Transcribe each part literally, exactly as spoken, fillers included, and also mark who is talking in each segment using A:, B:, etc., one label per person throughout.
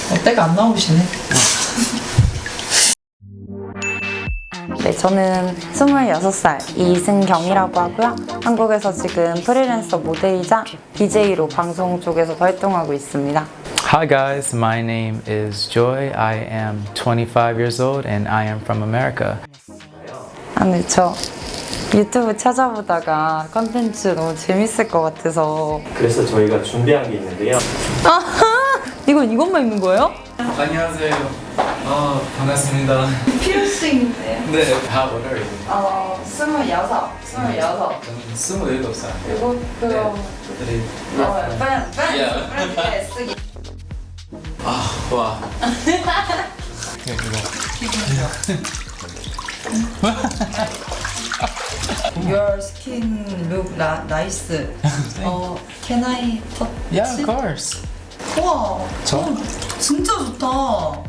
A: 어, 때가 안 나오시네.
B: 네, 저는 스물여섯 살 이승경이라고 하고요. 한국에서 지금 프리랜서 모델이자 디제이로 방송 쪽에서 활동하고 있습니다.
C: Hi guys, my name is Joy. I am twenty-five years old and I am from America.
B: 아, 네, 저 유튜브 찾아보다가 컨텐츠 너무 재밌을 것 같아서.
D: 그래서 저희가 준비한 게 있는데요.
B: 아하! 이건 이것만 입는 거예요?
C: 안녕하세요. 어, 반갑습니다.
B: 피어싱인데요?
C: 네, 다 뭐래요?
B: 어, 스물여섯, 스물여섯.
C: 저는 스물일곱 살.
B: 그리고 그럼
C: 네.
B: 어, 빤, 빤,
C: 야.
B: 빤, 쓰기.
C: 아, 와. 네, 이거.
A: Your skin look na- nice. 어, can I touch?
C: Yeah, of course.
A: 우와,
C: 저?
A: 어, 진짜 좋다.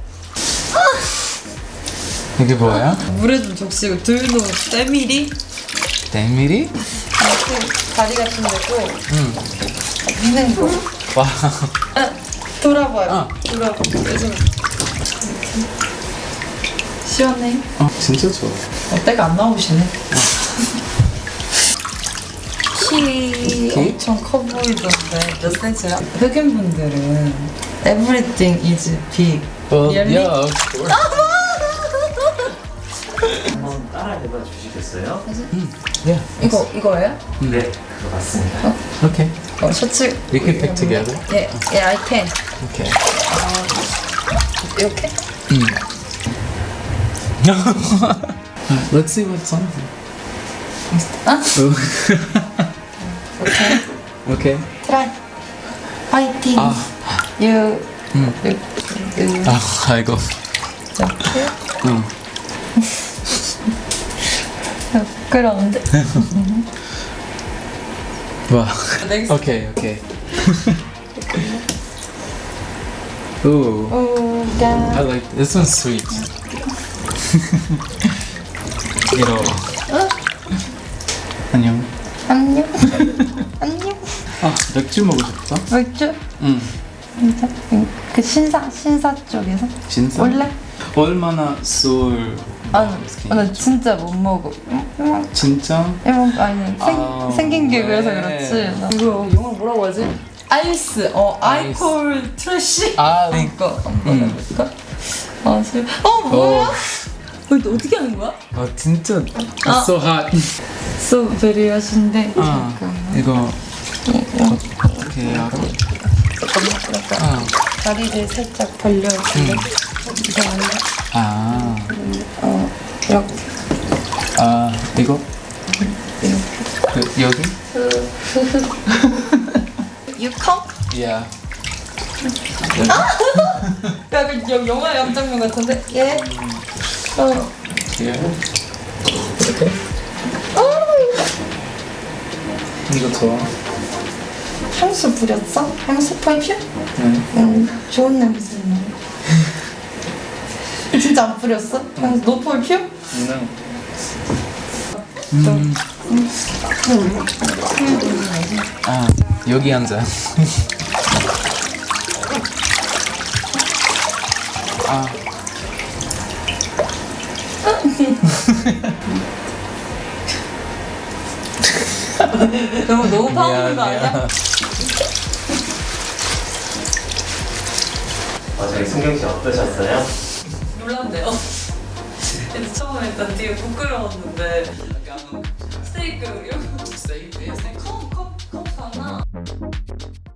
C: 이게 뭐야?
A: 물에 좀 적시고 들도 때밀이
C: 데미리?
A: 이렇게 다리 같은 데도
C: 응.
A: 미는 거.
C: 와.
A: 아, 돌아봐요.
C: 어.
A: 돌아봐. 요즘 시원해.
C: 어, 진짜 좋아.
A: 어, 때가 안 나오시네. 키
C: 키?
A: 엄청 커 보이던데 몇 센치야? 흑인분들은 everything is big.
C: Well,
A: Really?
C: yeah, of course.
D: 한번 따라해봐 주시겠어요?
C: Yeah.
A: 이거 이거예요?
D: 네, 그거 맞습니다.
C: Okay.
A: 어, 셔츠.
C: We can pick together.
A: 예, 예, I can.
C: Okay.
A: 이렇게?
C: Let's see what's on.
A: 아?
C: Okay. Okay.
A: 트라이. 파이팅.
C: 아.
A: You.
C: 음.
A: you, you.
C: 아, 아이고.
A: 이렇게.
C: 응.
A: 그런데.
C: 와.
A: Next.
C: Okay, okay. Ooh,
A: 오,
C: I
A: 야.
C: like this one's sweet. 이거. 안녕.
A: 안녕. 안녕.
C: 아, 맥주 먹고 싶다.
A: 맥주?
C: 응.
A: 진짜? 그 신사 신사 쪽에서?
C: 진짜?
A: 원래?
C: 얼마나 술?
A: 아니, 나 진짜 못 먹어.
C: 진짜?
A: 이런 아니 생,
C: 아,
A: 생긴 게
C: 왜?
A: 그래서 그렇지. 나 이거 영어 뭐라고 하지? 아이스. 어,
C: 아이스.
A: 아이콜 트래쉬.
C: 아,
A: 이거 한번
C: 음.
A: 해볼까? 아, 술. 어, 뭐야? 어, 이거 어떻게 하는 거야?
C: 아 진짜.
A: 아.
C: So hot.
A: So very 하신데.
C: 아, 이거 어떻게 알아?
A: 잠깐만.
C: 아,
A: 다리를 살짝 벌려주고. 이거 아니야?
C: 아,
A: 어, 이렇게.
C: 아, 이거?
A: 이렇게.
C: 그, 여기?
A: You come?
C: Yeah.
A: 약간 여- 영화 영장면 같은데? 예. 어.
C: Yeah. 이렇게? 이거 좋아.
A: 향수 뿌렸어? 향수 퍼퓸?
C: 네.
A: 응, 좋은 냄새 나. 진짜 안 뿌렸어? 향수 노 퍼퓸?
C: 네. 음. 아, 여기 앉아. 아.
A: 너무 너무 파는 거
C: 미안,
A: 아니야?
D: 어, 저희 승경 씨 어떠셨어요?
A: 놀랐네요. 근데 처음에 일단 되게 부끄러웠는데 스테이크 이런